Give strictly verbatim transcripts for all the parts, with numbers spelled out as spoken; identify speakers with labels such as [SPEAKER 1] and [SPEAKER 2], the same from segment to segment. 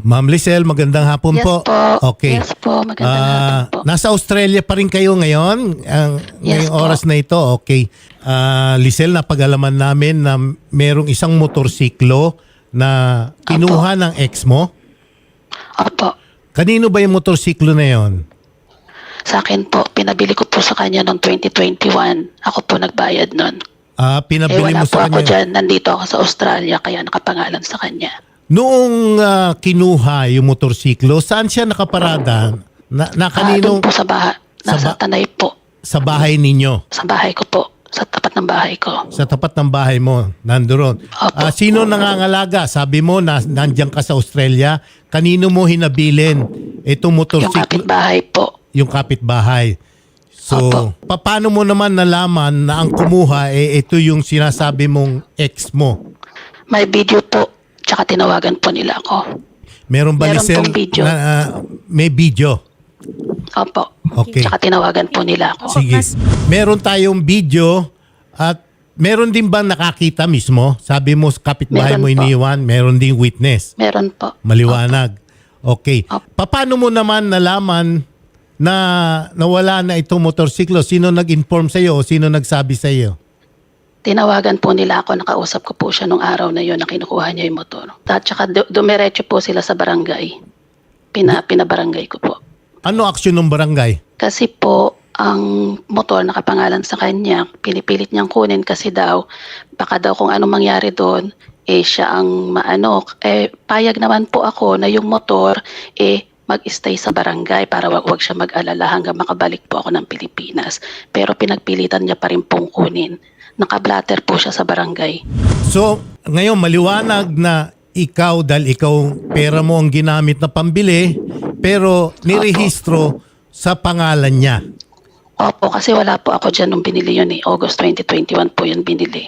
[SPEAKER 1] Ma'am Lisel, magandang hapon
[SPEAKER 2] Yes
[SPEAKER 1] po.
[SPEAKER 2] po.
[SPEAKER 1] Okay.
[SPEAKER 2] Yes po, magandang
[SPEAKER 1] Ah,
[SPEAKER 2] hapon po.
[SPEAKER 1] Nasa Australia pa rin kayo ngayon? Ang
[SPEAKER 2] Yes
[SPEAKER 1] ngayong
[SPEAKER 2] po.
[SPEAKER 1] oras na ito, okay. Ah, Lisel, napag-alaman namin na merong isang motorsiklo na kinuha ng ex mo.
[SPEAKER 2] Opo.
[SPEAKER 1] Kanino ba yung motorsiklo na yon?
[SPEAKER 2] Sa akin po, pinabili ko po sa kanya noong twenty twenty-one. Ako po nagbayad nun.
[SPEAKER 1] Ah,
[SPEAKER 2] Eh
[SPEAKER 1] pinabili
[SPEAKER 2] wala
[SPEAKER 1] mo
[SPEAKER 2] po
[SPEAKER 1] sa
[SPEAKER 2] ako
[SPEAKER 1] kanya.
[SPEAKER 2] dyan. Nandito ako sa Australia, kaya nakapangalan sa kanya.
[SPEAKER 1] Noong ah, kinuha yung motorsiklo, saan siya nakaparada? Na, na
[SPEAKER 2] Ah,
[SPEAKER 1] kanino?
[SPEAKER 2] doon po sa bahay.
[SPEAKER 1] Sa
[SPEAKER 2] Nasa
[SPEAKER 1] ba-
[SPEAKER 2] Tanay po.
[SPEAKER 1] Sa bahay ninyo?
[SPEAKER 2] Sa bahay ko po. Sa tapat ng bahay ko.
[SPEAKER 1] Sa tapat ng bahay mo, nandoon.
[SPEAKER 2] Opo.
[SPEAKER 1] Ah, sino nangangalaga? Sabi mo na nandiyan ka sa Australia. Kanino mo hinabilin itong
[SPEAKER 2] Yung
[SPEAKER 1] motorsiklo?
[SPEAKER 2] kapitbahay po.
[SPEAKER 1] Yung kapitbahay. So,
[SPEAKER 2] Opo.
[SPEAKER 1] pa- paano mo naman nalaman na ang kumuha eh ito yung sinasabi mong ex mo?
[SPEAKER 2] May video po. Tsaka tinawagan po nila ako.
[SPEAKER 1] Meron ba
[SPEAKER 2] Meron
[SPEAKER 1] Lisel,
[SPEAKER 2] pong video.
[SPEAKER 1] na ah, may video?
[SPEAKER 2] Opo.
[SPEAKER 1] Okay.
[SPEAKER 2] Tsaka tinawagan po nila ako.
[SPEAKER 1] Sige. Meron tayong video at meron din ba nakakita mismo? Sabi mo kapitbahay
[SPEAKER 2] Meron
[SPEAKER 1] mo
[SPEAKER 2] po.
[SPEAKER 1] iniwan, meron ding witness.
[SPEAKER 2] Meron po.
[SPEAKER 1] Maliwanag. Okay.
[SPEAKER 2] Opo.
[SPEAKER 1] Paano mo naman nalaman na nawala na itong motorsiklo? Sino nag-inform sa iyo o sino nagsabi sa iyo?
[SPEAKER 2] Tinawagan po nila ako, nakausap ko po siya nung araw na yun na kinukuha niya yung motor. At saka du- dumiretso po sila sa barangay. Pina, pinabarangay ko po.
[SPEAKER 1] Ano aksyon ng barangay?
[SPEAKER 2] Kasi po, ang motor nakapangalan sa kanya, pinipilit niyang kunin kasi daw, baka daw kung anong mangyari doon, eh siya ang maano. Eh, payag naman po ako na yung motor, eh, mag-stay sa barangay para wag, wag siya mag-alala hanggang makabalik po ako ng Pilipinas. Pero pinagpilitan niya pa rin pong kunin. Nakablatter po siya sa barangay.
[SPEAKER 1] So, ngayon maliwanag na ikaw, dahil ikaw pera mo ang ginamit na pambili, pero nirehistro sa pangalan niya.
[SPEAKER 2] Opo, kasi wala po ako dyan nung binili yun eh. August twenty twenty-one po yun binili.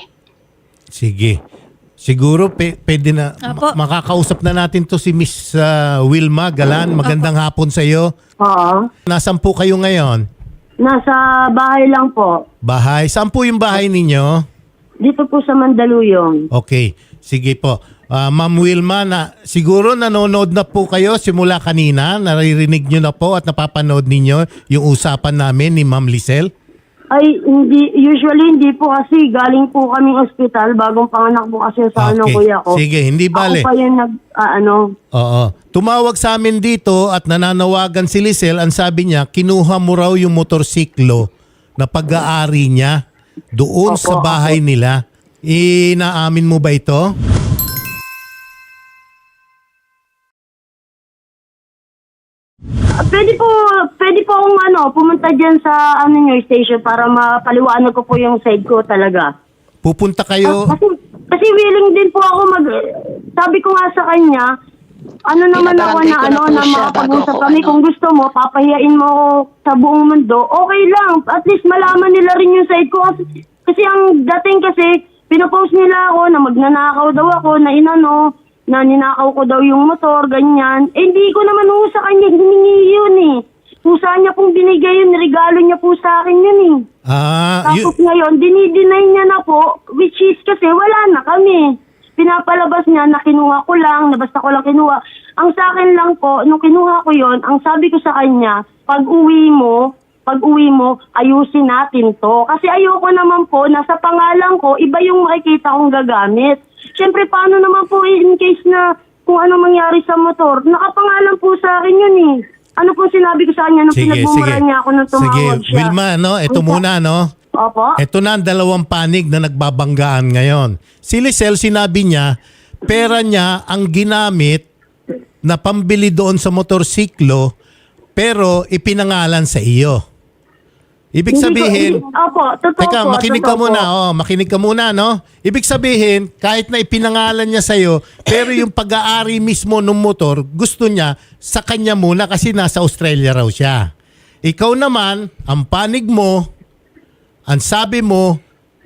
[SPEAKER 1] Sige. Siguro pe, pwede na
[SPEAKER 3] Apo.
[SPEAKER 1] ma- makakausap na natin to si Miss ah, Wilma Galan. Magandang hapon sa iyo.
[SPEAKER 4] Oo.
[SPEAKER 1] Nasaan po kayo ngayon?
[SPEAKER 4] Nasa bahay lang po.
[SPEAKER 1] Bahay. Saan po yung bahay ninyo?
[SPEAKER 4] Dito po sa Mandaluyong.
[SPEAKER 1] Okay. Sige po. Ah, Ma'am Wilma, na, siguro nanonood na po kayo simula kanina. Naririnig nyo na po at napapanood ninyo yung usapan namin ni Ma'am Lisel.
[SPEAKER 4] Ay, hindi, usually hindi po kasi galing po kaming ospital. Bagong panganak po kasi sa ano kuya ko.
[SPEAKER 1] Sige, hindi bale.
[SPEAKER 4] Ako pa yung nag, ah, ano,
[SPEAKER 1] Oo. Tumawag sa amin dito at nananawagan si Lisel. Ang sabi niya, kinuha mo raw yung motorsiklo na pag-aari niya doon
[SPEAKER 4] Opo,
[SPEAKER 1] sa bahay nila. Inaamin mo ba ito?
[SPEAKER 4] ah, pwede po, pwede po akong ano, pumunta dyan sa ano nyo, station para mapaliwanag ko po yung side ko talaga.
[SPEAKER 1] Pupunta kayo.
[SPEAKER 4] Kasi, kasi willing din po ako mag, sabi ko nga sa kanya, ano naman ako
[SPEAKER 2] Pinabarangay
[SPEAKER 4] na
[SPEAKER 2] ko na
[SPEAKER 4] ano
[SPEAKER 2] po
[SPEAKER 4] na
[SPEAKER 2] siya
[SPEAKER 4] makapag-usap
[SPEAKER 2] bago ako,
[SPEAKER 4] kami.
[SPEAKER 2] ano.
[SPEAKER 4] Kung gusto mo, papahiyain mo ako sa buong mundo, okay lang. At least malaman nila rin yung side ko. Kasi, kasi ang dating kasi, pinopost nila ako na magnanakaw daw ako, na inano, na ninakaw ko daw yung motor, ganyan. Eh, hindi ko naman ho sa kanya hiningi yun eh. Pusa niya pong binigay yun, regalo niya po sa akin yun eh.
[SPEAKER 1] Ah,
[SPEAKER 4] Tapos
[SPEAKER 1] yun,
[SPEAKER 4] ngayon, dinideny niya na po, which is kasi wala na kami. Pinapalabas niya na kinuha ko lang, na basta ko lang kinuha. Ang sa akin lang po, nung kinuha ko yon, ang sabi ko sa kanya, pag uwi mo, pag uwi mo, ayusin natin to. Kasi ayoko naman po, nasa pangalan ko, iba yung makikita kong gagamit. Siyempre, paano naman po in case na kung ano mangyari sa motor? Nakapangalan po sa akin yun eh. Ano po sinabi ko sa kanya nung
[SPEAKER 1] sige,
[SPEAKER 4] pinagbumura
[SPEAKER 1] sige.
[SPEAKER 4] niya ako nung tumawag
[SPEAKER 1] Sige,
[SPEAKER 4] siya?
[SPEAKER 1] Wilma, no? Ito
[SPEAKER 4] Ang-
[SPEAKER 1] muna, no?
[SPEAKER 4] Opo.
[SPEAKER 1] Ito na ang dalawang panig na nagbabanggaan ngayon. Si Lisel, sinabi niya, pera niya ang ginamit na pambili doon sa motorsiklo, pero ipinangalan sa iyo. Ibig
[SPEAKER 4] Hindi ko-
[SPEAKER 1] sabihin,
[SPEAKER 4] hindi- Opo, totoo
[SPEAKER 1] teka,
[SPEAKER 4] po.
[SPEAKER 1] makinig
[SPEAKER 4] totoo
[SPEAKER 1] ka muna,
[SPEAKER 4] po.
[SPEAKER 1] oh, makinig ka muna, no? Ibig sabihin, kahit na ipinangalan niya sa iyo, pero yung pag-aari mismo ng motor, gusto niya sa kanya muna kasi nasa Australia raw siya. Ikaw naman, ang panig mo, ang sabi mo,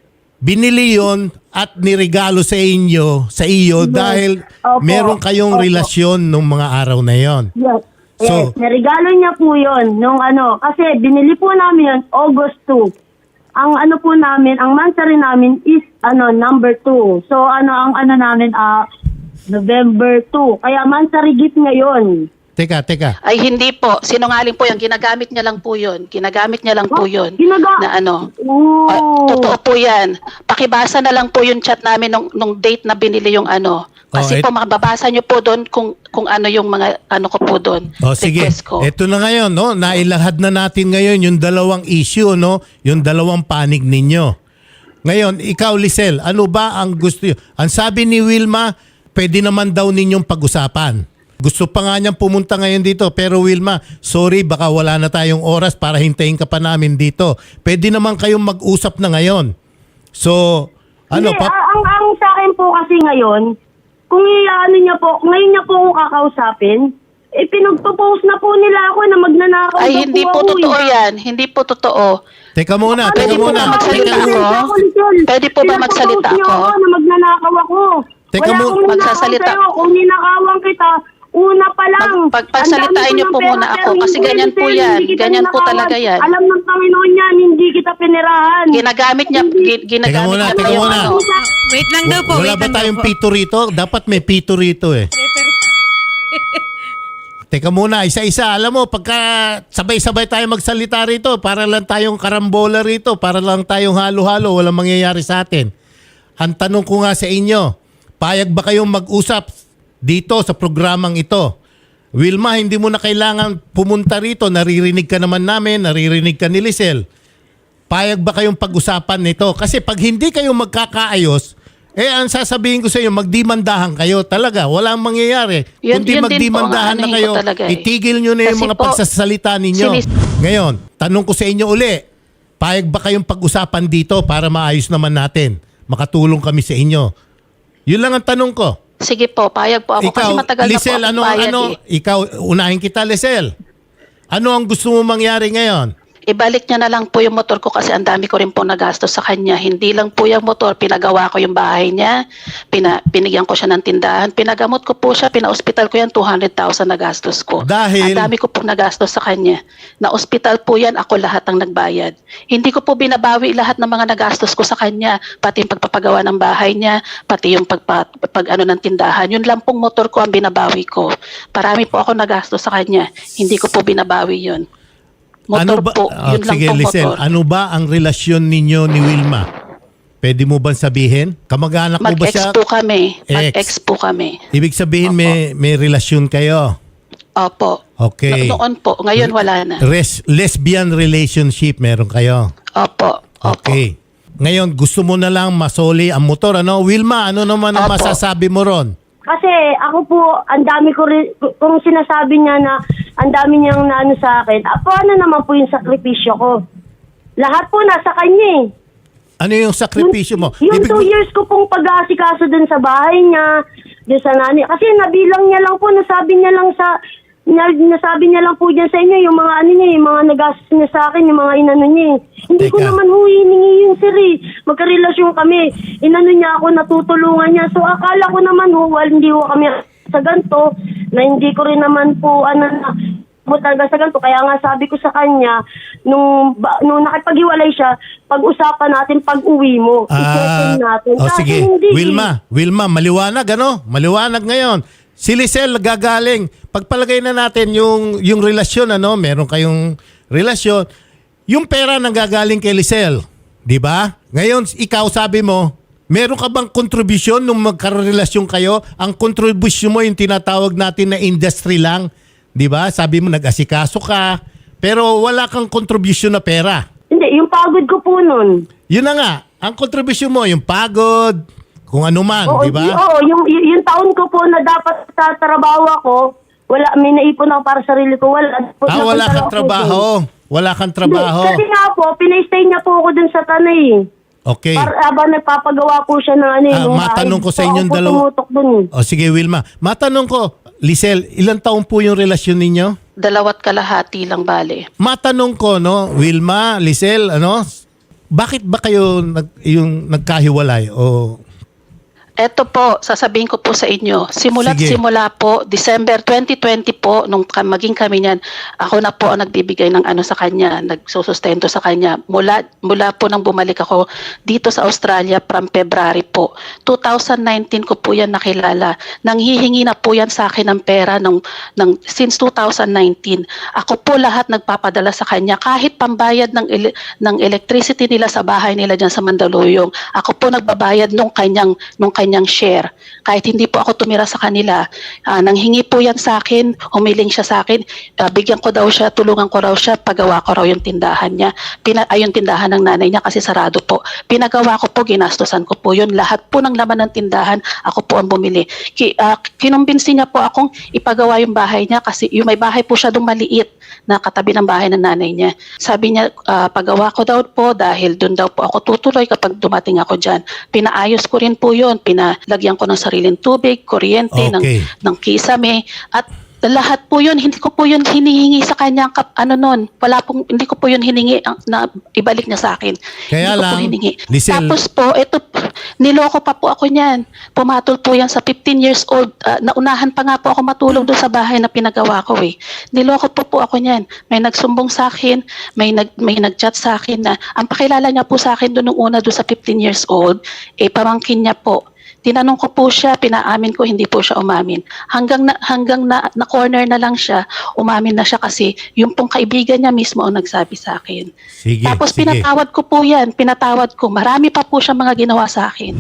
[SPEAKER 1] binili yon at niregalo sa inyo, sa iyo dahil
[SPEAKER 4] Opo.
[SPEAKER 1] meron kayong
[SPEAKER 4] Opo.
[SPEAKER 1] relasyon nung mga araw na yon.
[SPEAKER 4] Yes.
[SPEAKER 1] So-
[SPEAKER 4] yes. Narigalo niya po yun nung ano, kasi binili po namin yun August two. Ang ano po namin, ang monthly namin is ano number two. So ano ang ano namin, ah November two. Kaya monthly gift ngayon.
[SPEAKER 1] Teka, teka.
[SPEAKER 2] Ay hindi po, sinungaling po yan, ginagamit niya lang po yun. Ginagamit niya lang po
[SPEAKER 4] Oh,
[SPEAKER 2] yun.
[SPEAKER 4] ginaga-
[SPEAKER 2] Na ano,
[SPEAKER 4] Oo.
[SPEAKER 2] ah, totoo po yan. Pakibasa na lang po yung chat namin nung, nung date na binili yung ano.
[SPEAKER 1] Oh,
[SPEAKER 2] Kasi
[SPEAKER 1] et-
[SPEAKER 2] po makababasa niyo po doon kung kung ano yung mga ano ko po doon.
[SPEAKER 1] O sige,
[SPEAKER 2] Request ko.
[SPEAKER 1] ito na ngayon, no? Nailahad na natin ngayon yung dalawang issue, no? Yung dalawang panig ninyo. Ngayon, ikaw, Lisel, ano ba ang gusto nyo? Ang sabi ni Wilma, pwede naman daw ninyong pag-usapan. Gusto pa nga niyang pumunta ngayon dito, pero Wilma, sorry, baka wala na tayong oras para hintayin ka pa namin dito. Pwede naman kayong mag-usap na ngayon. So, ano
[SPEAKER 4] Hindi,
[SPEAKER 1] pa?
[SPEAKER 4] ah, ang, ang sa akin po kasi ngayon, kung i-ano niya po, ngayon niya po ako kakausapin, eh pinagpo-post na po nila ako na magnanakaw
[SPEAKER 2] Ay
[SPEAKER 4] daw
[SPEAKER 2] hindi po
[SPEAKER 4] ako,
[SPEAKER 2] totoo
[SPEAKER 4] eh.
[SPEAKER 2] yan. Hindi po totoo.
[SPEAKER 1] Teka muna,
[SPEAKER 2] Pwede
[SPEAKER 1] teka
[SPEAKER 2] po
[SPEAKER 1] muna.
[SPEAKER 2] ba magsalita
[SPEAKER 1] Teka,
[SPEAKER 2] ako? Pwede po ba magsalita
[SPEAKER 4] Pinagpo-post niyo
[SPEAKER 2] ako?
[SPEAKER 4] na magnanakaw ako.
[SPEAKER 1] Teka
[SPEAKER 4] Wala
[SPEAKER 1] mo-
[SPEAKER 4] akong ninakaw
[SPEAKER 2] Magsasalita-
[SPEAKER 4] sa'yo. Kung ninakawan kita, una pa lang.
[SPEAKER 2] Pag- pagpagsalitain
[SPEAKER 4] Ang dami ko
[SPEAKER 2] niyo
[SPEAKER 4] ng
[SPEAKER 2] po
[SPEAKER 4] pera,
[SPEAKER 2] muna ako,
[SPEAKER 4] pero
[SPEAKER 2] kasi
[SPEAKER 4] hindi
[SPEAKER 2] ganyan po
[SPEAKER 4] hindi
[SPEAKER 2] yan.
[SPEAKER 4] kita
[SPEAKER 2] Ganyan po
[SPEAKER 4] ninakawan.
[SPEAKER 2] talaga yan.
[SPEAKER 4] Alam ng Panginoon yan, hindi kita pinirahan.
[SPEAKER 2] Ginagamit niya, gi- ginagamit
[SPEAKER 1] Teka muna,
[SPEAKER 2] niya
[SPEAKER 1] teka
[SPEAKER 2] po yung
[SPEAKER 1] muna.
[SPEAKER 2] ano.
[SPEAKER 3] Wait lang daw po,
[SPEAKER 1] Wala
[SPEAKER 3] wait
[SPEAKER 1] ba
[SPEAKER 3] lang daw
[SPEAKER 1] tayong
[SPEAKER 3] po.
[SPEAKER 1] pito rito? Dapat may pito rito eh. Teka muna, isa-isa. Alam mo, pagka sabay-sabay tayo magsalita rito, para lang tayong karambola rito, para lang tayong halo-halo, walang mangyayari sa atin. Ang tanong ko nga sa inyo, payag ba kayong mag-usap dito sa programang ito? Wilma, hindi mo na kailangan pumunta rito. Naririnig ka naman namin, naririnig ka ni Lisel. Payag ba kayong pag-usapan nito? Kasi pag hindi kayo magkakaayos, eh ang sasabihin ko sa inyo, magdimandahan kayo talaga. Walang mangyayari.
[SPEAKER 2] Yun-
[SPEAKER 1] Kundi
[SPEAKER 2] yun din po
[SPEAKER 1] magdimandahan
[SPEAKER 2] ang
[SPEAKER 1] na
[SPEAKER 2] anuhin
[SPEAKER 1] kayo,
[SPEAKER 2] ko talaga eh.
[SPEAKER 1] itigil nyo na yung
[SPEAKER 2] Kasi
[SPEAKER 1] mga
[SPEAKER 2] po,
[SPEAKER 1] pagsasalita ninyo.
[SPEAKER 2] sinis-
[SPEAKER 1] Ngayon, tanong ko sa inyo uli, payag ba kayong pag-usapan dito para maayos naman natin? Makatulong kami sa inyo. Yun lang ang tanong ko.
[SPEAKER 2] Sige po, payag po ako.
[SPEAKER 1] Ikaw,
[SPEAKER 2] kasi matagal
[SPEAKER 1] Lisel,
[SPEAKER 2] na po
[SPEAKER 1] ano,
[SPEAKER 2] ako payag
[SPEAKER 1] ano,
[SPEAKER 2] eh.
[SPEAKER 1] ikaw, unahin kita, Lisel. Ano ang gusto mo mangyari ngayon?
[SPEAKER 2] Ibalik niya na lang po yung motor ko kasi ang dami ko rin po nagastos sa kanya. Hindi lang po yung motor, pinagawa ko yung bahay niya, pina, binigyan ko siya ng tindahan, pinagamot ko po siya, pina-hospital ko yan, two hundred thousand na gastos ko.
[SPEAKER 1] Dahil-
[SPEAKER 2] Ang dami ko po nagastos sa kanya. Na-hospital po yan, ako lahat ang nagbayad. Hindi ko po binabawi lahat ng mga nagastos ko sa kanya, pati yung pagpapagawa ng bahay niya, pati yung pagpa, pag ano ng tindahan. Yun lang pong motor ko ang binabawi ko. Parami po ako nagastos sa kanya. Hindi ko po binabawi yun. Motor
[SPEAKER 1] ba,
[SPEAKER 2] po,
[SPEAKER 1] Ah,
[SPEAKER 2] yun lang
[SPEAKER 1] sige,
[SPEAKER 2] po
[SPEAKER 1] Lisel,
[SPEAKER 2] motor.
[SPEAKER 1] ano ba ang relasyon ninyo ni Wilma? Pwede mo bang sabihin? Kamag-anak mo ba
[SPEAKER 2] Mag-ex
[SPEAKER 1] siya?
[SPEAKER 2] po kami.
[SPEAKER 1] Ex.
[SPEAKER 2] Mag-ex po kami.
[SPEAKER 1] Ibig sabihin may may relasyon kayo.
[SPEAKER 2] Opo.
[SPEAKER 1] Okay.
[SPEAKER 2] No- noon po. Ngayon wala na.
[SPEAKER 1] Res- lesbian relationship meron kayo.
[SPEAKER 2] Opo. Opo.
[SPEAKER 1] Okay. Ngayon gusto mo na lang masoli ang motor, ano? Wilma, ano naman ang
[SPEAKER 2] Opo.
[SPEAKER 1] masasabi mo ron?
[SPEAKER 4] Kasi ako po, ang dami ko rin, kung sinasabi niya na ang dami niyang naano sa akin, apo ano naman po yung sakripisyo ko? Lahat po nasa kanya eh.
[SPEAKER 1] Ano yung sakripisyo mo?
[SPEAKER 4] Yung
[SPEAKER 1] Ibig
[SPEAKER 4] two
[SPEAKER 1] mo-
[SPEAKER 4] years ko pong pag-aasikaso dun sa bahay niya, dun sa nanay. Kasi nabilang niya lang po, nasabi niya lang sa, na, nasabi niya lang po dyan sa inyo, yung mga ano niya, yung mga nagastos niya sa akin, yung mga inano niya eh. Hindi ko
[SPEAKER 1] Teka.
[SPEAKER 4] naman ho hiningi yung sir eh. Magkarelasyon kami. Inano niya ako, natutulungan niya. So akala ko naman ho, well, hindi ho kami sa ganito, na hindi ko rin naman po, ano na, mo talaga sa ganito. Kaya nga sabi ko sa kanya, nung, ba, nung nakipag-iwalay siya, pag-usapan natin pag-uwi mo. I-settle natin.
[SPEAKER 1] oh,
[SPEAKER 4] Kasi
[SPEAKER 1] sige.
[SPEAKER 4] hindi.
[SPEAKER 1] Wilma, Wilma, maliwanag ano? Maliwanag ngayon. Si Lisel gagaling. Pagpalagay na natin yung yung relasyon ano, meron kayong relasyon. Yung pera nang gagaling kay Lisel, 'di ba? Ngayon ikaw sabi mo, meron ka bang contribution nung magkarelasyon kayo? Ang contribution mo yung tinatawag natin na industry lang, 'di ba? Sabi mo nag-asikaso ka, pero wala kang contribution na pera.
[SPEAKER 4] Hindi, yung pagod ko po nun.
[SPEAKER 1] Yun na nga, ang contribution mo, yung pagod, kung ano man,
[SPEAKER 4] Oo,
[SPEAKER 1] di ba?
[SPEAKER 4] y- Oo, yung, y- yung taon ko po na dapat sa trabaho ako, wala, may naipon ako para sa sarili ko. Wala,
[SPEAKER 1] Ah, wala
[SPEAKER 4] napunta
[SPEAKER 1] kang
[SPEAKER 4] ako
[SPEAKER 1] trabaho. Wala kang
[SPEAKER 4] dun.
[SPEAKER 1] trabaho.
[SPEAKER 4] Hindi, kasi nga po, pinay-stay niya po ako dun sa tanay.
[SPEAKER 1] Okay.
[SPEAKER 4] Para habang nagpapagawa po siya ng ano
[SPEAKER 1] Ah,
[SPEAKER 4] yung
[SPEAKER 1] matanong ko sa inyong dalawa.
[SPEAKER 4] Tumutok dun eh.
[SPEAKER 1] O sige, Wilma. Matanong ko, Lisel, ilang taon po yung relasyon ninyo?
[SPEAKER 2] Dalawat kalahati lang bale.
[SPEAKER 1] Matanong ko, no, Wilma, Lisel, ano, bakit ba kayo nag, yung nagkahiwalay? O
[SPEAKER 2] Eto po, sasabihin ko po sa inyo, simula't
[SPEAKER 1] Sige.
[SPEAKER 2] simula po, December twenty twenty po, nung ka- maging kami niyan, ako na po ang nagbibigay ng ano sa kanya, nagsusustento sa kanya. Mula, mula po nang bumalik ako dito sa Australia from February po. two thousand nineteen ko po yan nakilala. Nanghihingi na po yan sa akin ng pera ng, ng, since two thousand nineteen. Ako po lahat nagpapadala sa kanya, kahit pambayad ng, ele- ng electricity nila sa bahay nila dyan sa Mandaluyong. Ako po nagbabayad nung kanyang, nung kanyang share. Kahit hindi po ako tumira sa kanila, uh, nanghingi po yan sa akin, humiling siya sa akin, uh, bigyan ko daw siya, tulungan ko raw siya, pagawa ko raw yung tindahan niya. Pina, ay, yung tindahan ng nanay niya kasi sarado po. Pinagawa ko po, ginastosan ko po yun. Lahat po ng laman ng tindahan, ako po ang bumili. Ki, uh, kinumbinsi niya po akong ipagawa yung bahay niya kasi yung may bahay po siya doon maliit na katabi ng bahay ng nanay niya. Sabi niya, uh, pagawa ko daw po dahil doon daw po ako tutuloy kapag dumating ako dyan. Pinaayos ko rin po yun. Pinalagyan ko ng sariling tubig, kuryente, ng,
[SPEAKER 1] Okay.
[SPEAKER 2] ng kisame. At lahat po yun, hindi ko po yun hinihingi sa kanya. Kap, ano nun, wala pong, hindi ko po yun hiningi ang- na ibalik niya sa akin.
[SPEAKER 1] Kaya
[SPEAKER 2] hindi ko
[SPEAKER 1] lang,
[SPEAKER 2] po hiningi.
[SPEAKER 1] Lisel-
[SPEAKER 2] Tapos po, ito, niloko pa po ako niyan. Pumatol po yan sa fifteen years old. Ah, naunahan pa nga po ako matulog doon sa bahay na pinagawa ko eh. Niloko po po ako niyan. May nagsumbong sa akin, may nag may nagchat sa akin na ang pakilala niya po sa akin doon nung una doon sa fifteen years old, eh pamangkin niya po. Tinanong ko po siya, pinaamin ko, hindi po siya umamin. Hanggang na, hanggang na, na corner na lang siya, umamin na siya kasi yung pong kaibigan niya mismo ang nagsabi sa akin.
[SPEAKER 1] Sige,
[SPEAKER 2] Tapos
[SPEAKER 1] sige.
[SPEAKER 2] pinatawad ko po yan, pinatawad ko. Marami pa po siya mga ginawa sa akin.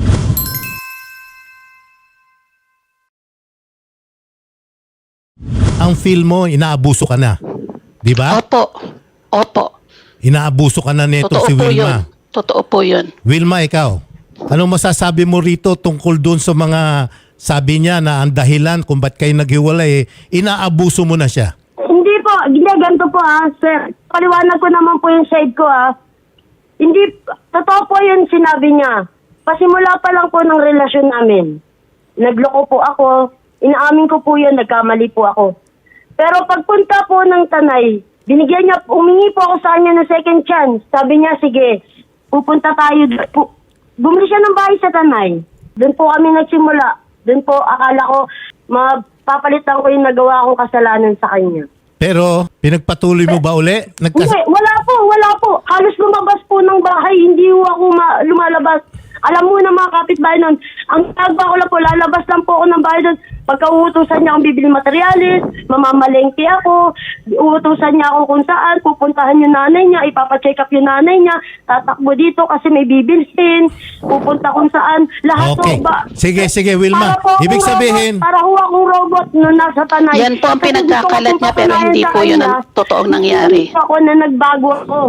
[SPEAKER 1] Ang feel mo, inaabuso ka na. Di ba?
[SPEAKER 2] Opo, opo.
[SPEAKER 1] Inaabuso ka na nito
[SPEAKER 2] Totoo
[SPEAKER 1] si
[SPEAKER 2] po yun.
[SPEAKER 1] Wilma.
[SPEAKER 2] Totoo po yun.
[SPEAKER 1] Wilma, ikaw, anong masasabi mo rito tungkol doon sa mga sabi niya na ang dahilan kung ba't kayo naghiwalay, eh, inaabuso mo na siya?
[SPEAKER 4] Hindi po, hindi, ganito po ah, sir. Paliwanag ko naman po yung side ko ah. Hindi, totoo po yun sinabi niya. Pasimula pa lang po ng relasyon namin. Nagloko po ako, inaamin ko po yun, nagkamali po ako. Pero pagpunta po ng Tanay, binigyan niya, umingi po ako sa kanya ng second chance. Sabi niya, sige, pupunta tayo. Pu- Bumili siya ng bahay sa Tanay. Doon po kami nagsimula. Doon po, akala ko, mapapalitan ko yung nagawa kong kasalanan sa kanya.
[SPEAKER 1] Pero, pinagpatuloy mo ba uli? Nagkas-
[SPEAKER 4] Hindi, wala po, wala po. Halos lumabas po ng bahay, hindi po ako ma- lumalabas. Alam mo na mga kapitbahay nun, ang tagba ko lang po, lalabas lang po ako ng bahay doon. Pagka-uutusan niya akong bibili materialis, mamamalengke ako, uutusan niya ako kung saan, pupuntahan yung nanay niya, ipapacheck up yung nanay niya, tatakbo dito kasi may bibilsin, pupunta kung saan, lahat
[SPEAKER 1] Okay.
[SPEAKER 4] po ba?
[SPEAKER 1] Sige, sige, Wilma.
[SPEAKER 4] Para po akong
[SPEAKER 1] Ibig sabihin,
[SPEAKER 4] robot, para ho akong robot nung nasa Tanay.
[SPEAKER 2] Yan po ang
[SPEAKER 4] Kasi gusto ko
[SPEAKER 2] pinagkakalat
[SPEAKER 4] pong
[SPEAKER 2] niya pero hindi
[SPEAKER 4] patunayan
[SPEAKER 2] po
[SPEAKER 4] sa
[SPEAKER 2] yun
[SPEAKER 4] kanya,
[SPEAKER 2] ang totoong nangyari.
[SPEAKER 4] hindi ako na nagbago ako.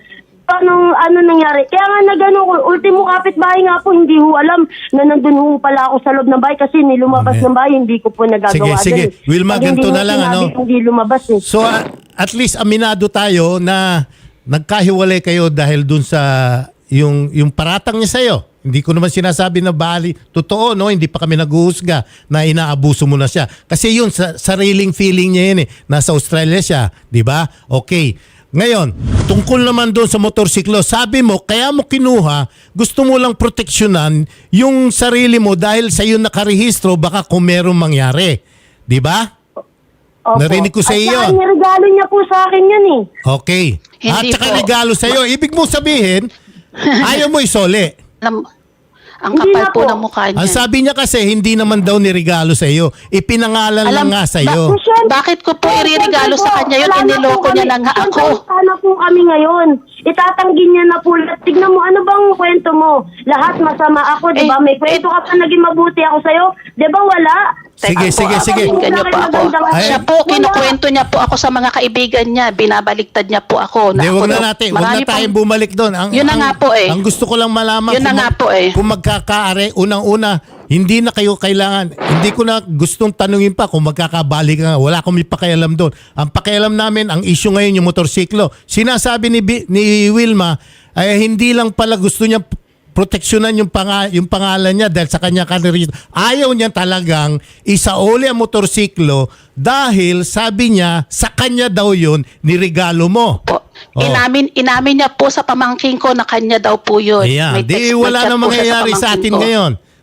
[SPEAKER 4] Anong, ano nangyari? Kaya nga nagano ko, ultimo kapitbahay nga po, hindi ho alam na nandun ho pala ako sa loob ng bahay kasi nilumabas
[SPEAKER 1] Okay.
[SPEAKER 4] ng bahay, hindi ko po nagagawa.
[SPEAKER 1] Sige, sige.
[SPEAKER 4] dun eh.
[SPEAKER 1] Wilma,
[SPEAKER 4] Pag hindi
[SPEAKER 1] ganito
[SPEAKER 4] ho
[SPEAKER 1] na lang,
[SPEAKER 4] sinabi,
[SPEAKER 1] ano?
[SPEAKER 4] Hindi lumabas eh.
[SPEAKER 1] so a- at least aminado tayo na nagkahiwalay kayo dahil dun sa yung yung paratang niya sa'yo. Hindi ko naman sinasabi na bali. Totoo, no? Hindi pa kami naghuhusga na inaabuso mo na siya. Kasi yun, sa sariling feeling niya yun eh. Nasa Australia siya, di ba? Okay. Ngayon, tungkol naman doon sa motorsiklo, sabi mo, kaya mo kinuha, gusto mo lang proteksyonan yung sarili mo dahil sa iyo nakarehistro, baka kung merong mangyari. Di ba?
[SPEAKER 4] Opo.
[SPEAKER 1] Narinig ko sa
[SPEAKER 4] At
[SPEAKER 1] iyo.
[SPEAKER 4] saka regalo niya po sa akin yun eh.
[SPEAKER 1] Okay. At
[SPEAKER 2] Hindi
[SPEAKER 1] saka
[SPEAKER 2] po.
[SPEAKER 1] regalo sa iyo. Ibig mo sabihin, ayaw mo isole.
[SPEAKER 2] Alam, ang
[SPEAKER 4] Hindi
[SPEAKER 2] kapal
[SPEAKER 4] na
[SPEAKER 2] po
[SPEAKER 4] po.
[SPEAKER 2] ng mukha niya.
[SPEAKER 1] Ang sabi niya kasi, hindi naman daw niregalo sa iyo. Ipinangalan lang
[SPEAKER 2] Alam-
[SPEAKER 1] nga sa iyo.
[SPEAKER 4] Ba- Siyempre-
[SPEAKER 2] Bakit ko po iririgalo
[SPEAKER 4] Siyempre
[SPEAKER 2] sa
[SPEAKER 4] po,
[SPEAKER 2] kanya yun?
[SPEAKER 4] wala na
[SPEAKER 2] Iniloko
[SPEAKER 4] po
[SPEAKER 2] niya
[SPEAKER 4] kami.
[SPEAKER 2] na nga ako.
[SPEAKER 4] Siyempre, sana po kami ngayon. Itatanggi niya na po. Tignan mo, ano bang kwento mo? Lahat masama ako, di ba?
[SPEAKER 2] Eh,
[SPEAKER 4] May kwento ka pa naging mabuti ako sa'yo. Di ba wala?
[SPEAKER 1] Sige,
[SPEAKER 2] Teka
[SPEAKER 1] sige,
[SPEAKER 2] po,
[SPEAKER 1] sige.
[SPEAKER 2] pakinggan niyo po ako.
[SPEAKER 1] Ay.
[SPEAKER 2] Siya po, kinukwento niya po ako sa mga kaibigan niya. Binabaligtad niya po ako.
[SPEAKER 1] Hindi,
[SPEAKER 2] ako
[SPEAKER 1] wag na
[SPEAKER 2] daw-
[SPEAKER 1] natin. Wag
[SPEAKER 2] marami
[SPEAKER 1] na tayong
[SPEAKER 2] pang-
[SPEAKER 1] bumalik doon. Ang,
[SPEAKER 2] Yun na
[SPEAKER 1] ang-
[SPEAKER 2] nga po eh.
[SPEAKER 1] Ang gusto ko lang malaman,
[SPEAKER 2] Yun na
[SPEAKER 1] kung
[SPEAKER 2] nga
[SPEAKER 1] mag-
[SPEAKER 2] po eh.
[SPEAKER 1] kung magkakaari, unang-una, hindi na kayo kailangan, hindi ko na gustong tanungin pa kung magkakabalik ka. Wala akong may pakialam doon. Ang pakialam namin, ang issue ngayon yung motorsiklo. Sinasabi ni, Bi- ni Wilma, ay hindi lang pala gusto niya proteksyonan yung, panga, yung pangalan niya dahil sa kanya kanirito. Ayaw niya talagang isauli ang motorsiklo dahil sabi niya sa kanya daw yun niregalo mo.
[SPEAKER 2] po.
[SPEAKER 1] Oh.
[SPEAKER 2] Inamin, inamin niya po sa pamangking ko na kanya daw po yun.
[SPEAKER 1] Ayan.
[SPEAKER 2] May
[SPEAKER 1] Di
[SPEAKER 2] text, may
[SPEAKER 1] wala
[SPEAKER 2] chat
[SPEAKER 1] na
[SPEAKER 2] po siya
[SPEAKER 1] mangyayari sa
[SPEAKER 2] pamangkin
[SPEAKER 1] atin
[SPEAKER 2] ko.
[SPEAKER 1] ngayon.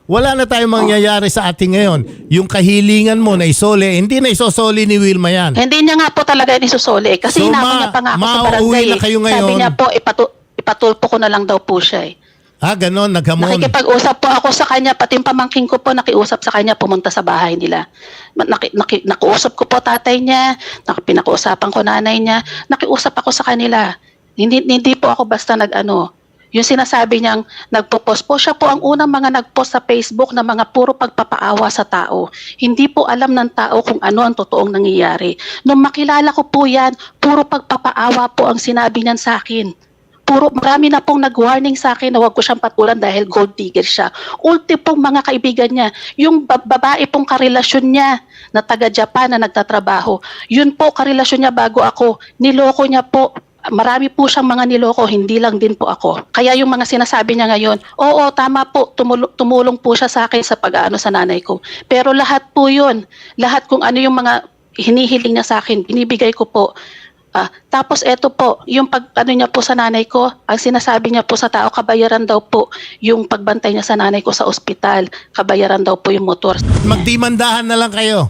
[SPEAKER 1] wala na tayong mangyayari sa ating ngayon. Yung kahilingan mo na isole, hindi na isosoli ni Wilma yan.
[SPEAKER 2] Hindi niya nga po talaga isusuli. Kasi
[SPEAKER 1] So,
[SPEAKER 2] hinamon
[SPEAKER 1] ma-
[SPEAKER 2] niya pa nga ako sa
[SPEAKER 1] mauuwi
[SPEAKER 2] barangay.
[SPEAKER 1] na
[SPEAKER 2] eh.
[SPEAKER 1] kayo ngayon.
[SPEAKER 2] Sabi niya po, ipatu- ipatulpo ko na lang daw po siya eh.
[SPEAKER 1] Ah, ganon, naghamon.
[SPEAKER 2] Nakikipag-usap po ako sa kanya, pati yung pamangking ko po nakiusap sa kanya, pumunta sa bahay nila. Ma- Naki, naki, nakuusap ko po tatay niya, nak- pinakuusapan ko nanay niya, nakiusap ako sa kanila. Hindi, hindi po ako basta nag-ano. Yung sinasabi niyang nagpo-post po, siya po ang unang mga nag-post sa Facebook na mga puro pagpapaawa sa tao. Hindi po alam ng tao kung ano ang totoong nangyayari. Nung makilala ko po yan, puro pagpapaawa po ang sinabi niyan sa akin. Puro, marami na pong nag-warning sa akin na huwag ko siyang patulan dahil gold digger siya. Ulti pong mga kaibigan niya, yung ba- babae pong karelasyon niya na taga-Japan na nagtatrabaho, yun po karelasyon niya bago ako. Niloko niya po. Marami po siyang mga niloko, hindi lang din po ako. Kaya yung mga sinasabi niya ngayon, oo, tama po, tumulong, tumulong po siya sa akin sa pag-aano sa nanay ko. Pero lahat po yun, lahat kung ano yung mga hinihiling niya sa akin, binibigay ko po. Ah, tapos eto po, yung pag ano niya po sa nanay ko, ang sinasabi niya po sa tao, kabayaran daw po yung pagbantay niya sa nanay ko sa ospital, kabayaran daw po yung motor.
[SPEAKER 1] Magdimandahan na lang kayo.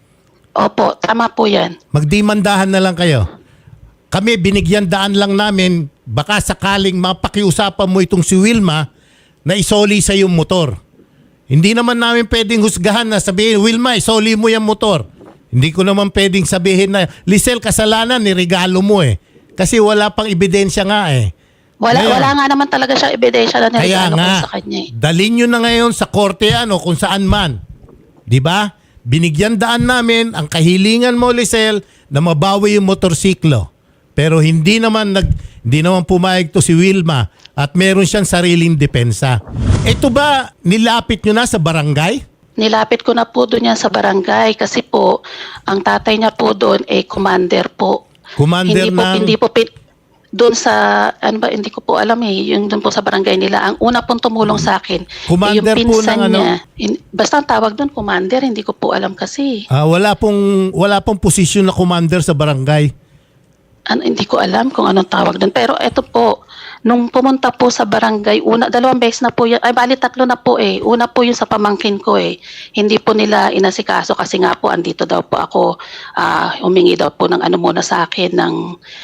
[SPEAKER 2] Opo, tama po yan.
[SPEAKER 1] Magdimandahan na lang kayo. Kami, binigyan daan lang namin, baka sakaling mapakiusapan mo itong si Wilma na isoli sa yung motor. Hindi naman namin pwedeng husgahan na sabihin, Wilma, isoli mo yung motor. Hindi ko naman pwedeng sabihin na, Lisel, kasalanan, niregalo mo eh. Kasi wala pang ebidensya nga eh.
[SPEAKER 2] Wala,
[SPEAKER 1] Ngayon,
[SPEAKER 2] wala nga naman talaga siya ebidensya na
[SPEAKER 1] Kaya
[SPEAKER 2] niregalo ko
[SPEAKER 1] nga,
[SPEAKER 2] sa kanya eh.
[SPEAKER 1] dalhin nyo na ngayon sa korte ano, kung saan man. Di ba? Binigyan daan namin ang kahilingan mo, Lisel, na mabawi yung motorsiklo. Pero hindi naman nag hindi naman pumayag to si Wilma at meron siyang sariling depensa. Ito ba nilapit nyo na sa barangay?
[SPEAKER 2] Nilapit ko na po doon yan sa barangay kasi po, ang tatay niya po doon ay commander po.
[SPEAKER 1] Commander
[SPEAKER 2] hindi po,
[SPEAKER 1] ng-
[SPEAKER 2] Hindi po, pin- doon sa, ano ba, hindi ko po alam eh, yung doon po sa barangay nila. Ang una pong tumulong sa akin,
[SPEAKER 1] Commander
[SPEAKER 2] eh,
[SPEAKER 1] po
[SPEAKER 2] yung pinsan
[SPEAKER 1] ng ano?
[SPEAKER 2] niya. In- basta ang tawag doon, commander, hindi ko po alam kasi.
[SPEAKER 1] Ah, wala pong wala pong posisyon na commander sa barangay.
[SPEAKER 2] Ano, hindi ko alam kung anong tawag doon. Pero eto po, nung pumunta po sa barangay, una, dalawang beses na po yan, ay bali tatlo na po eh. Una po yung sa pamangkin ko eh. Hindi po nila inasikaso kasi nga po andito daw po ako, ah, humingi daw po ng ano muna sa akin, ng,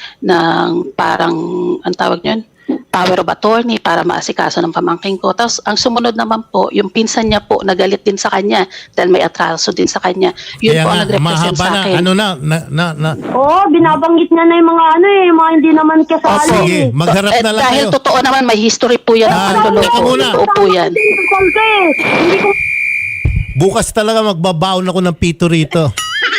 [SPEAKER 2] ng parang, ang tawag yun? Power of attorney para maasikaso ng pamangkin ko. Tapos ang sumunod naman po, yung pinsan niya po, nagalit din sa kanya dahil may atraso din sa kanya. Yun
[SPEAKER 1] Kaya
[SPEAKER 2] po ang
[SPEAKER 1] nga,
[SPEAKER 2] nag-represent
[SPEAKER 1] mahaba
[SPEAKER 2] sa
[SPEAKER 1] na,
[SPEAKER 2] akin.
[SPEAKER 1] ano na, na, na, na
[SPEAKER 4] Oo, binabanggit niya na yung mga ano eh, yung mga hindi naman kasali.
[SPEAKER 1] sige,
[SPEAKER 4] eh.
[SPEAKER 1] magharap
[SPEAKER 2] Eh,
[SPEAKER 1] na lang
[SPEAKER 2] dahil
[SPEAKER 1] kayo.
[SPEAKER 2] totoo naman, may history po yan ng
[SPEAKER 1] Ah,
[SPEAKER 2] panloloko.
[SPEAKER 1] teka muna.
[SPEAKER 2] Totoo po yan.
[SPEAKER 4] Kasal ka eh. Hindi ko
[SPEAKER 1] Bukas talaga magbabaon ako ng pito rito.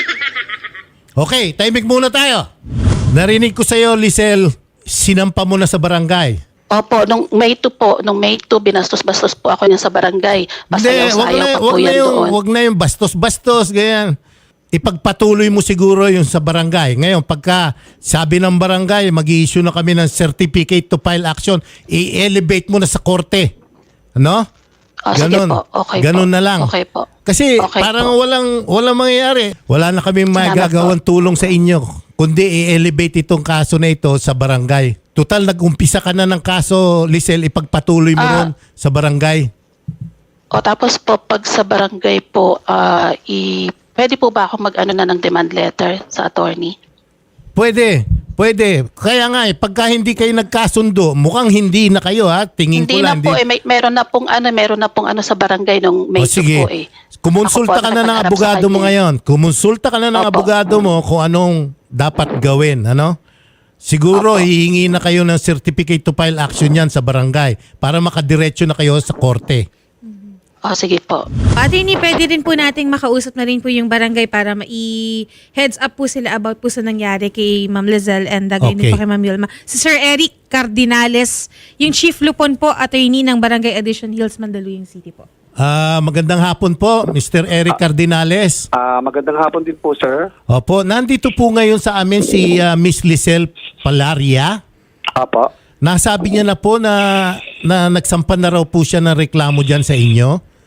[SPEAKER 1] Okay, timing muna tayo. Narinig ko sa'yo, Lisel, sinampa mo na sa barangay.
[SPEAKER 2] Opo, nung May two po, nung May two, binastos-bastos po ako niya sa barangay.
[SPEAKER 1] Hindi, wag
[SPEAKER 2] Pasayaw-sayaw
[SPEAKER 1] na,
[SPEAKER 2] pa
[SPEAKER 1] wag
[SPEAKER 2] po
[SPEAKER 1] na
[SPEAKER 2] yan
[SPEAKER 1] yung,
[SPEAKER 2] doon.
[SPEAKER 1] wag na yung bastos-bastos, ganyan. Ipagpatuloy mo siguro yung sa barangay. Ngayon, pagka sabi ng barangay, mag-i-issue na kami ng certificate to file action, i-elevate mo na sa korte. Ano?
[SPEAKER 2] Oh, sige po, okay
[SPEAKER 1] Ganun
[SPEAKER 2] po.
[SPEAKER 1] na lang.
[SPEAKER 2] Okay po.
[SPEAKER 1] Kasi
[SPEAKER 2] Okay
[SPEAKER 1] parang
[SPEAKER 2] po.
[SPEAKER 1] walang walang mangyayari. Wala na kami
[SPEAKER 2] Salamat
[SPEAKER 1] magagawang tulong sa inyo. Kundi i-elevate itong kaso na ito sa barangay. Total, nag-umpisa ka na ng kaso, Lisel, ipagpatuloy mo
[SPEAKER 2] Ah.
[SPEAKER 1] ron sa barangay.
[SPEAKER 2] O tapos po, pag sa barangay po, ah, i, pwede po ba ako mag-ano na ng demand letter sa attorney?
[SPEAKER 1] Pwede, pwede. Kaya nga eh, pagka hindi kayo nagkasundo, mukhang hindi na kayo ha. Tingin
[SPEAKER 2] Hindi
[SPEAKER 1] ko
[SPEAKER 2] na
[SPEAKER 1] lang.
[SPEAKER 2] po, eh, may, meron na pong ano, meron na pong ano sa barangay nung May
[SPEAKER 1] O
[SPEAKER 2] two
[SPEAKER 1] sige,
[SPEAKER 2] po eh.
[SPEAKER 1] kumonsulta
[SPEAKER 2] Ako po
[SPEAKER 1] ka
[SPEAKER 2] ang
[SPEAKER 1] na ng
[SPEAKER 2] nakapagharap
[SPEAKER 1] abogado
[SPEAKER 2] sa
[SPEAKER 1] mo
[SPEAKER 2] kanya.
[SPEAKER 1] ngayon. Kumonsulta ka na ng
[SPEAKER 2] Opo.
[SPEAKER 1] abogado mo kung anong dapat gawin. Ano? Siguro
[SPEAKER 2] Opo.
[SPEAKER 1] hihingi na kayo ng certificate to file action yan sa barangay para makadiretso na kayo sa korte.
[SPEAKER 2] O sige po.
[SPEAKER 3] Attorney, pwede rin po nating makausap na rin po yung barangay para ma-heads up po sila about po sa nangyari kay Ma'am Lizelle and uh, gayon
[SPEAKER 1] Okay.
[SPEAKER 3] din po kay Ma'am Yolma. Si Sir Eric Cardinales, yung Chief Lupon po, attorney ng Barangay Addition Hills, Mandaluyong City po.
[SPEAKER 1] Ah, magandang hapon po, Mister Eric Cardinales.
[SPEAKER 5] Ah, magandang hapon din po, sir.
[SPEAKER 1] Opo, nandito po ngayon sa amin si ah, Miss Lizelle Palaria.
[SPEAKER 5] Apo.
[SPEAKER 1] Nasabi niya na po na, na nagsampan na raw po siya ng reklamo dyan sa inyo.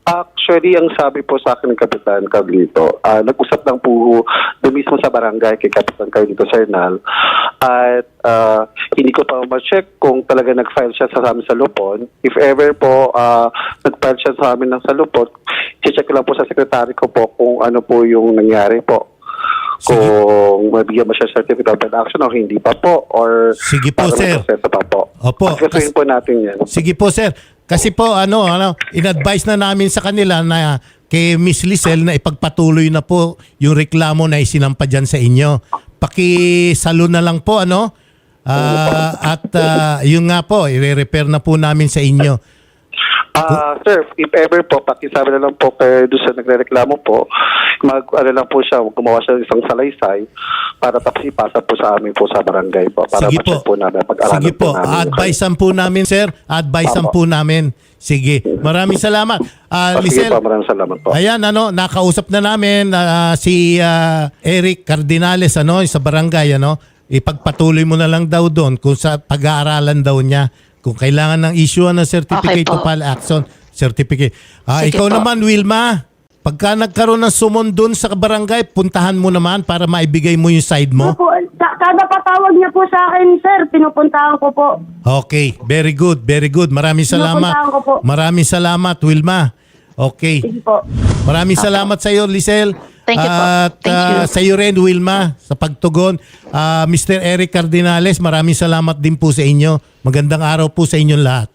[SPEAKER 5] Actually, ang sabi po sa akin ng Kapitan Carlito, ah, nag-usap lang po doon mismo sa barangay kay Kapitan Carlito Sernal at ah, hindi ko pa ma-check kung talaga nag-file siya sa amin sa Lupon. If ever po ah, nag-file siya sa amin ng sa Lupon, i-check ko lang po sa sekretary ko po kung ano po yung nangyari po.
[SPEAKER 1] Sige.
[SPEAKER 5] Kung mabigyan mo siya certificate of action o hindi pa po or
[SPEAKER 1] Sige po,
[SPEAKER 5] para
[SPEAKER 1] sir.
[SPEAKER 5] maproseso pa po.
[SPEAKER 1] Opo.
[SPEAKER 5] Pagkasuhin po natin yan.
[SPEAKER 1] Sige po, sir. Kasi po, ano, ano, in-advise na namin sa kanila na kay Miss Lizelle na ipagpatuloy na po yung reklamo na isinampa dyan sa inyo. Pakisalo na lang po, ano? Ah, at ah, yun nga po, i-repair na po namin sa inyo.
[SPEAKER 5] Ah, sir, if ever po, pakisabi na lang po kay doon sa nagrereklamo po, mag, ano lang po siya, gumawa siya ng isang salaysay para tapos ipasa po sa amin po sa barangay po. Para
[SPEAKER 1] Sige
[SPEAKER 5] ma-check
[SPEAKER 1] po.
[SPEAKER 5] po namin, pag-aralan
[SPEAKER 1] Sige po,
[SPEAKER 5] namin.
[SPEAKER 1] advisean po namin, sir. Advisean po
[SPEAKER 5] Apo.
[SPEAKER 1] namin. Sige. Maraming salamat. Ah,
[SPEAKER 5] Ah, sige
[SPEAKER 1] Lizelle,
[SPEAKER 5] po, maraming salamat po.
[SPEAKER 1] ayan, ano, nakausap na namin ah, si ah, Eric Cardinales, ano, sa barangay, ano. Ipagpatuloy mo na lang daw doon kung sa pag-aaralan daw niya. Kung kailangan ng issue ng certificate
[SPEAKER 2] Okay po.
[SPEAKER 1] to file action, certificate. Ah,
[SPEAKER 2] Sige
[SPEAKER 1] ikaw
[SPEAKER 2] po.
[SPEAKER 1] naman, Wilma, pagka nagkaroon ng sumon doon sa barangay, puntahan mo naman para maibigay mo yung side mo.
[SPEAKER 4] Opo, sa- kada patawag niya po sa akin, sir, pinupuntahan ko po.
[SPEAKER 1] Okay, very good, very good. Maraming salamat.
[SPEAKER 4] Pinupuntahan ko po.
[SPEAKER 1] Maraming salamat, Wilma. Okay.
[SPEAKER 4] Sige po.
[SPEAKER 1] Maraming salamat sa iyo, Lizelle.
[SPEAKER 2] Thank you po.
[SPEAKER 1] At
[SPEAKER 2] Thank you.
[SPEAKER 1] ah, sa iyo rin, Wilma, sa pagtugon. Ah, Mister Eric Cardinales, maraming salamat din po sa inyo. Magandang araw po sa inyong lahat.